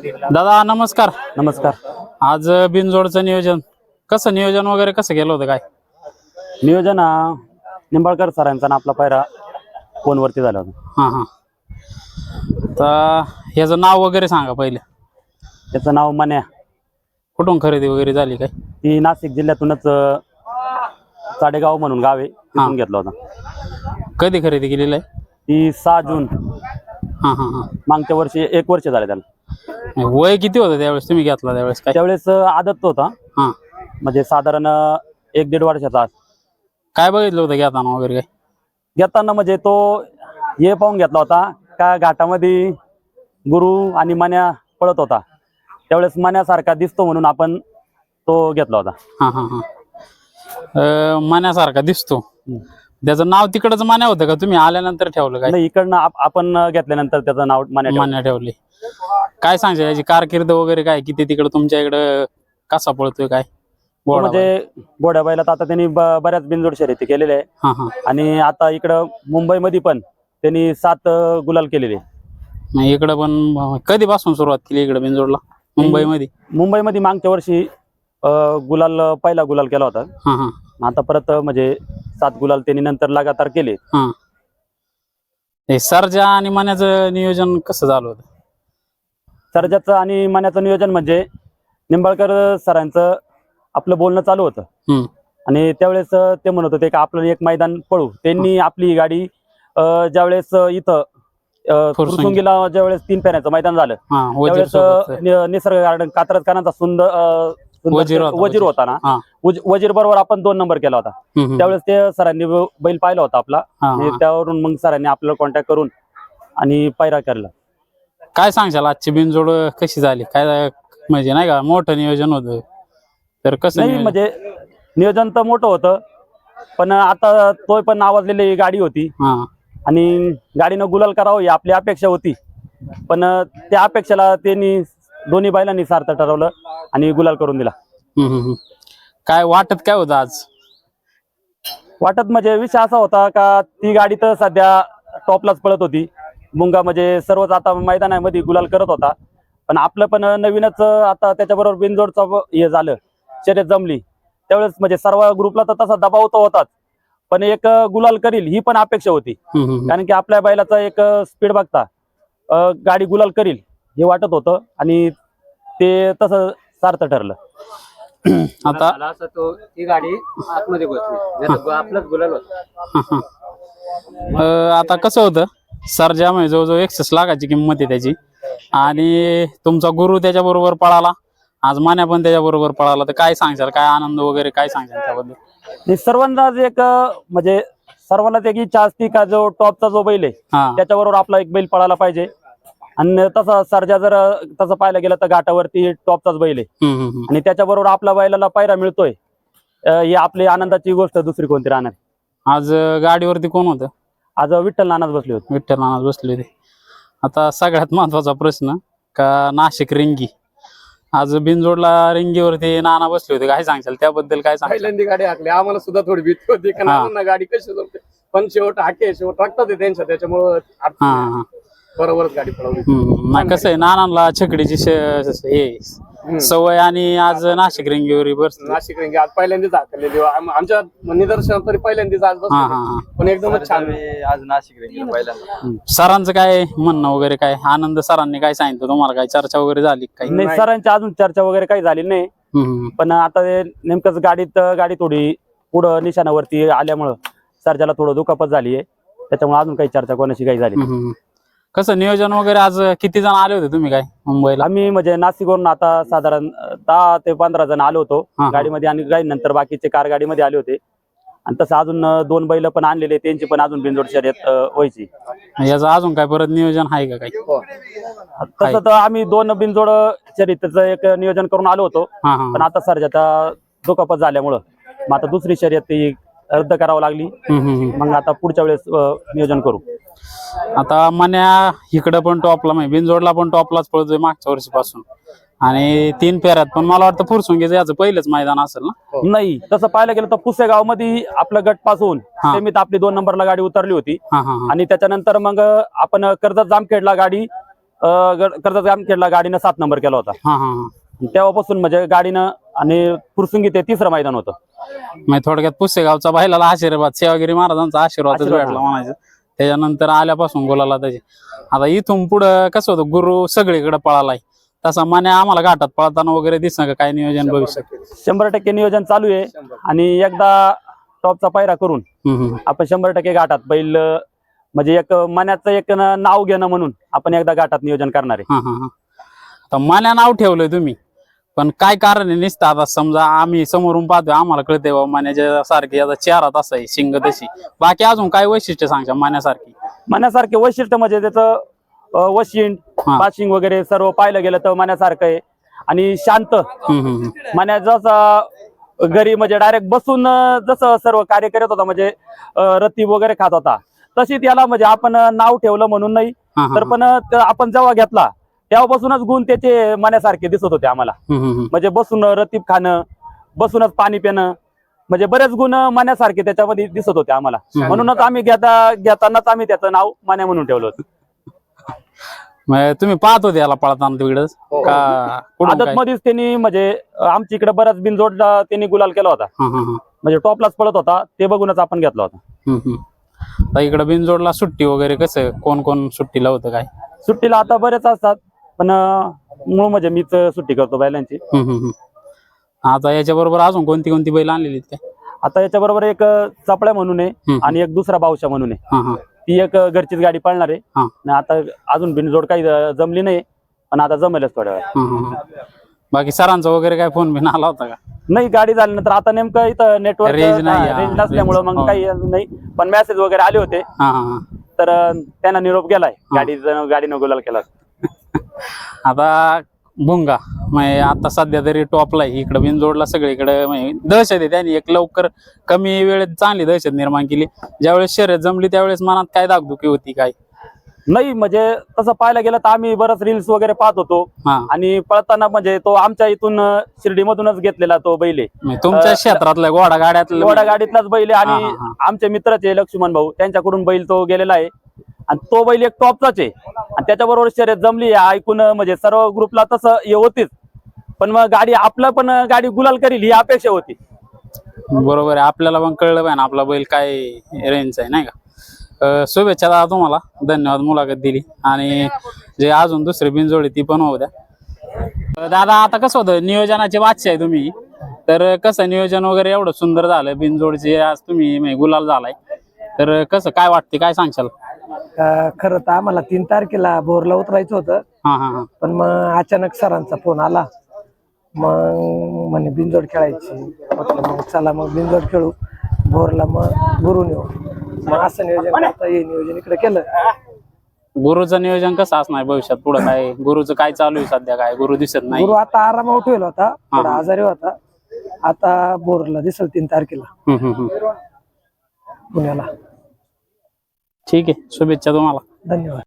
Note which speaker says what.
Speaker 1: दादा नमस्कार.
Speaker 2: नमस्कार.
Speaker 1: आज बिनजोडचं नियोजन नियोजन वगैरे कसं केलं होतं काय?
Speaker 2: नियोजन निंबाळकर सरांचा ना आपला पायरा फोनवरती झाला होता.
Speaker 1: हा हा. तर ह्याचं नाव वगैरे सांगा पहिले.
Speaker 2: त्याचं नाव मन्या.
Speaker 1: कुठून खरेदी वगैरे झाली काय?
Speaker 2: ती नाशिक जिल्ह्यातूनच साडेगाव म्हणून गाव आहे तिथून घेतला होता.
Speaker 1: कधी खरेदी केलेली आहे?
Speaker 2: ती 6 जून
Speaker 1: हा हा हा.
Speaker 2: मागच्या वर्षी 1 वर्ष झाले त्याला.
Speaker 1: वय किती होतं त्यावेळेस तुम्ही घेतला त्यावेळेस काय?
Speaker 2: त्यावेळेस आदत होता,
Speaker 1: हा.
Speaker 2: म्हणजे साधारण 1-1.5 वर्षाचा.
Speaker 1: काय बघितलं होतं घेताना वगैरे काय?
Speaker 2: घेताना म्हणजे तो हे पाहून घेतला होता का घाटामध्ये गुरु आणि मन्या पळत होता, त्यावेळेस मन्यासारखा दिसतो म्हणून आपण तो घेतला होता.
Speaker 1: हा हा हा. मान्यासारखा दिसतो. त्याचं नाव तिकडच मान्या होतं का तुम्ही आल्यानंतर ठेवलं काय?
Speaker 2: नाही, इकडनं आपण घेतल्यानंतर त्याचं नाव
Speaker 1: मान्या ठेवले. काय सांगशील याची कारकीर्द वगैरे काय? किती तिकडं तुमच्या इकडं कसा पळतोय काय?
Speaker 2: म्हणजे घोड्या बैलात आता त्यांनी बऱ्याच बिनजोड शर्यती केलेल्या आहे.
Speaker 1: हा हा.
Speaker 2: आणि आता इकडं मुंबईमध्ये पण त्यांनी 7 गुलाल केलेले.
Speaker 1: इकडं पण कधीपासून सुरुवात केली इकडे बिनजोडला? मुंबईमध्ये
Speaker 2: मागच्या वर्षी पहिला गुलाल केला होता.
Speaker 1: हा हा.
Speaker 2: आता परत म्हणजे 7 गुलाल त्यांनी नंतर लगातार केले.
Speaker 1: हा. हे सर्जा आणि मन्याचं नियोजन कसं झालं होतं?
Speaker 2: सर्जाचं आणि मन्याचं नियोजन म्हणजे निंबाळकर सरांचं आपलं बोलणं चालू होतं आणि त्यावेळेस ते म्हणत होते की आपलं एक मैदान पळू. त्यांनी आपली गाडी ज्यावेळेस इथं फुरसुंगीला ज्यावेळेस 3 फेऱ्याचं मैदान झालं त्यावेळेस निसर्ग गार्डन कात्रजकारांचा सुंदर वजीर होता ना, वजीर बरोबर आपण 2 नंबर केला होता. त्यावेळेस ते सरांनी बैल पाहिला होता आपला. त्यावरून मग सरांनी आपल्याला कॉन्टॅक्ट करून आणि पायरा केला.
Speaker 1: काय सांगशाल आजची बिनजोड कशी झाली काय? म्हणजे नाही का मोठं नियोजन होतं तर कसं?
Speaker 2: नाही म्हणजे नियोजन तर मोठं होतं, पण आता तो पण नावाजलेली गाडी होती आणि गाडीनं गुलाल करावं ही आपली अपेक्षा होती. पण त्या अपेक्षेला त्यांनी दोन्ही बैलांनी सार्थ ठरवलं आणि गुलाल करून दिला.
Speaker 1: काय वाटत काय होतं आज?
Speaker 2: वाटत म्हणजे विषय असा होता का ती गाडी तर सध्या टॉपलाच पळत होती. मुंगा म्हणजे सर्वच आता मैदानामध्ये गुलाल करत होता. पण आपलं पण नवीनच आता त्याच्याबरोबर बिनजोडचं हे झालं, शर्यत जमली. त्यावेळेस म्हणजे सर्व ग्रुपला तर तसा दबाव तर होताच, पण एक गुलाल करील ही पण अपेक्षा होती. कारण की आपल्या बैलाचा एक स्पीड बघता गाडी गुलाल करील हे वाटत होतं आणि ते तसं सार्थ ठरलं.
Speaker 1: आता
Speaker 3: ती गाडी आतमध्ये बसली, आपलंच गुलाल होतं.
Speaker 1: आता कसं होतं, सर्जा म्हणजे जवळजवळ 61 लाखाची किंमत आहे त्याची आणि तुमचा गुरु त्याच्याबरोबर पळाला, आज मान्या पण त्याच्याबरोबर पळाला. तर काय सांगशाल, काय आनंद वगैरे काय सांगशाल त्याबद्दल?
Speaker 2: सर्वांनाच एक म्हणजे सर्वांनाच एक इच्छा असती का जो टॉपचा जो बैल आहे त्याच्याबरोबर आपला एक बैल पळायला पाहिजे. आणि तसा सर्जा जर तसं पाहायला गेलं तर घाटावरती टॉपचाच बैल आहे आणि त्याच्याबरोबर आपल्या बैलाला पायरा मिळतोय ही आपली आनंदाची गोष्ट दुसरी कोणती राहणार.
Speaker 1: आज गाडीवरती कोण होतं?
Speaker 2: आज विठ्ठल नानाच बसले होते.
Speaker 1: विठ्ठल नानाच बसले होते. आता सगळ्यात महत्वाचा प्रश्न का नाशिक रिंगी, आज बिनजोडला रिंगीवरती नाना बसले होते, काय सांगशाल त्याबद्दल? काय सांगशाल?
Speaker 3: पहिल्यांदा गाडी हाकली, आम्हाला सुद्धा थोडी भीती होती का नाना गाडी कशी जमते, पण शेवट टाकतात त्यांच्या, त्याच्यामुळं बरोबरच गाडी पळवली.
Speaker 1: कसं आहे नानांना छकडीची सवय आणि आज नाशिक रिंगीवर बसले.
Speaker 3: नाशिक रिंगी आज पहिल्यांदाच हाकलेली आमच्या निदर्शनात तरी पहिल्यांदाच आज बसले, पण एकदमच छान आज नाशिक रिंगी पहिल्यांदा.
Speaker 1: सरांचं काय म्हणणं वगैरे काय? आनंद सरांनी काय सांगितलं तुम्हाला? काय चर्चा वगैरे झाली काही?
Speaker 2: नाही, सरांची अजून चर्चा वगैरे काही झाली नाही. पण आता नेमकंच गाडी थोडी पुढं निशाणावरती आल्यामुळं सर्जाला थोडं दुखापत झाली आहे, त्याच्यामुळे अजून काही चर्चा कोणाशी काही झाली.
Speaker 1: कसं नियोजन वगैरे आज किती जण आले होते तुम्ही काय मुंबईला?
Speaker 2: आम्ही म्हणजे नाशिकवरून आता साधारण 10 ते 15 जण आलो होतो गाडीमध्ये आणि काही नंतर बाकीचे कार गाडीमध्ये आले होते. आणि तसं अजून 2 बैल पण आणलेले, त्यांची पण अजून बिनजोड शर्यत व्हायची.
Speaker 1: याचं अजून काय परत नियोजन आहे का काही?
Speaker 2: तसं तर आम्ही 2 बिनजोड शर्यतीचं एक नियोजन करून आलो होतो, पण आता सर्जाचा दुखापत झाल्यामुळं मग आता दुसरी शर्यत ती रद्द करावं लागली. मग आता पुढच्या वेळेस नियोजन करू.
Speaker 1: आता मन्या इकडं पण टॉपला, म्हणजे बिनजोडला पण टॉपलाच पळतोय मागच्या वर्षीपासून आणि 3 फेऱ्यात. पण मला वाटतं फुरसुंगीचं याचं पहिलंच मैदान असेल ना?
Speaker 2: नाही, तसं पाहायला गेलं तर पुसेगाव मध्ये आपलं गट पासून सेमीत आपली 2 नंबरला गाडी उतरली होती आणि त्याच्यानंतर मग आपण कर्जत जामखेडला गाडी कर्जत जामखेडला गाडीनं 7 नंबर केला होता.
Speaker 1: हा हा हा.
Speaker 2: तेव्हापासून म्हणजे गाडीनं आणि फुरसुंगी ते 3रं मैदान होतं.
Speaker 1: म्हणजे थोडक्यात पुसेगावचा बैलाला आशीर्वाद सेवागिरी महाराजांचा आशीर्वादच
Speaker 2: आशीर्वाद
Speaker 1: भेटला म्हणायचं. त्याच्यानंतर आल्यापासून बोलायला त्याचे आता इथून पुढं कसं होतं गुरु सगळीकडे पळालाय तसा मान्या आम्हाला घाटात पळताना वगैरे दिसणं का काय नियोजन भविष्यात?
Speaker 2: 100% नियोजन चालू आहे आणि एकदा टॉपचा पायरा करून आपण 100% घाटात बैल म्हणजे एक मनाचं एक नाव घेणं म्हणून आपण एकदा घाटात नियोजन करणार आहे.
Speaker 1: हा हा हा. आता मान्या नाव ठेवलंय तुम्ही पण काय कारण आहे निसतं आता समजा आम्ही समोरून पाहतोय आम्हाला कळतंय बाबा मान्याच्या सारखी याचा चेहरा तसा आहे शिंग तशी बाकी अजून काय वैशिष्ट्य सांगता मान्यासारखी?
Speaker 2: मनासारखे वैशिष्ट्य म्हणजे त्याचं वशिंड पाशिंग वगैरे सर्व पाहिलं गेलं तर मनासारखं आहे आणि शांत. मना जसं घरी म्हणजे डायरेक्ट बसून जसं सर्व कार्य करत होता म्हणजे रती वगैरे खात होता तशी त्याला म्हणजे आपण नाव ठेवलं म्हणून नाही तर पण आपण जेव्हा घेतला तेव्हापासूनच गुण त्याचे मनासारखे दिसत होते आम्हाला. म्हणजे बसून रतीब खाणं बसूनच पाणी पिणं म्हणजे बरेच गुण मनासारखे त्याच्यामध्ये दिसत होते आम्हाला. म्हणूनच आम्ही घेतानाच आम्ही त्याचं नाव मान्या म्हणून ठेवलं होतं.
Speaker 1: तुम्ही पाहत होते याला पळताना तिकडच का
Speaker 2: आदत मध्येच त्यांनी म्हणजे आमच्या इकडे बराच बिनजोडला त्यांनी गुलाल केला होता म्हणजे टॉपलाच पळत होता ते बघूनच आपण घेतला होता.
Speaker 1: इकडे बिनजोडला सुट्टी वगैरे कसं कोण कोण सुट्टीला होतं काय?
Speaker 2: सुट्टीला आता बरेच असतात पण मूळ म्हणजे मीच सुट्टी करतो बैलांची.
Speaker 1: आता याच्या बरोबर अजून कोणती कोणती बैल आणलेली काय?
Speaker 2: आता याच्या बरोबर एक चपळ्या म्हणून आहे आणि एक दुसरा बावशा म्हणून आहे. ती एक घरचीच गाडी पळणार आहे. आता अजून बिनजोड काही जमली नाही पण आता जमेलच थोड्या वेळा.
Speaker 1: बाकी सरांचा वगैरे काय फोन बिन आला होता का?
Speaker 2: नाही गाडी झाल्यानंतर आता नेमकं इथं नेटवर्क रेंज नसल्यामुळे मग काही नाही पण मेसेज वगैरे आले होते तर त्यांना निरोप गेलाय गाडीनं गुलाल केला.
Speaker 1: आता भुंगा म्हणजे आता सध्या तरी टॉपला आहे इकडे बिनजोडला सगळीकडे दहशत आहे त्यांनी एक लवकर कमी वेळेत चांगली दहशत निर्माण केली. ज्यावेळेस शर्यत जमली त्यावेळेस मनात काय दागदुखी होती काय?
Speaker 2: नाही म्हणजे तसं पाहायला गेलं तर आम्ही बरंच रील्स वगैरे पाहत होतो आणि पळताना म्हणजे तो आमच्या इथून शिर्डी मधूनच घेतलेला तो बैल आहे.
Speaker 1: तुमच्या क्षेत्रातला घोडा
Speaker 2: गाडीतलाच बैल आहे आणि आमचे मित्रच आहे लक्ष्मण भाऊ त्यांच्याकडून बैल तो गेलेला आहे आणि तो बैल एक टॉपचाच आहे आणि त्याच्याबरोबर शर्यत जमली ऐकून म्हणजे सर्व ग्रुपला तसं हे होतीच पण मग गाडी आपलं पण गाडी गुलाल करील ही अपेक्षा होती.
Speaker 1: बरोबर आहे आपल्याला पण कळलं पाहिजे आपला बैल काय रेंज आहे नाही का? शुभेच्छा दादा तुम्हाला धन्यवाद मुलाखत दिली आणि जे अजून दुसरी बिनजोडी ती पण होऊ द्या. दादा आता कसं होतं नियोजनाचे बादशाह आहे तुम्ही तर कसं नियोजन वगैरे एवढं सुंदर झालं बिनजोडचे आज तुम्ही गुलाल झालाय तर कसं काय वाटते काय सांगशाल?
Speaker 4: खरं तर आम्हाला 3 तारखेला भोरला उतरायचं होतं पण मग अचानक सरांचा फोन आला मग म्हणे बिनजोड खेळायची म्हटलं मग चला मग बिनजोड खेळू भोरला मग गुरु नेऊ मग असं नियोजन करता हे नियोजन इकडे केलं.
Speaker 1: गुरुचं नियोजन कसं असणार भविष्यात पुढे काय गुरुचं काय चालू आहे सध्या काय गुरु दिसत नाही?
Speaker 4: गुरु आता आरामावर ठेवला होता थोडा आजारी होता आता भोरला दिसल 3 तारखेला पुण्याला.
Speaker 1: ठीक आहे शुभेच्छा तुम्हाला.
Speaker 4: धन्यवाद.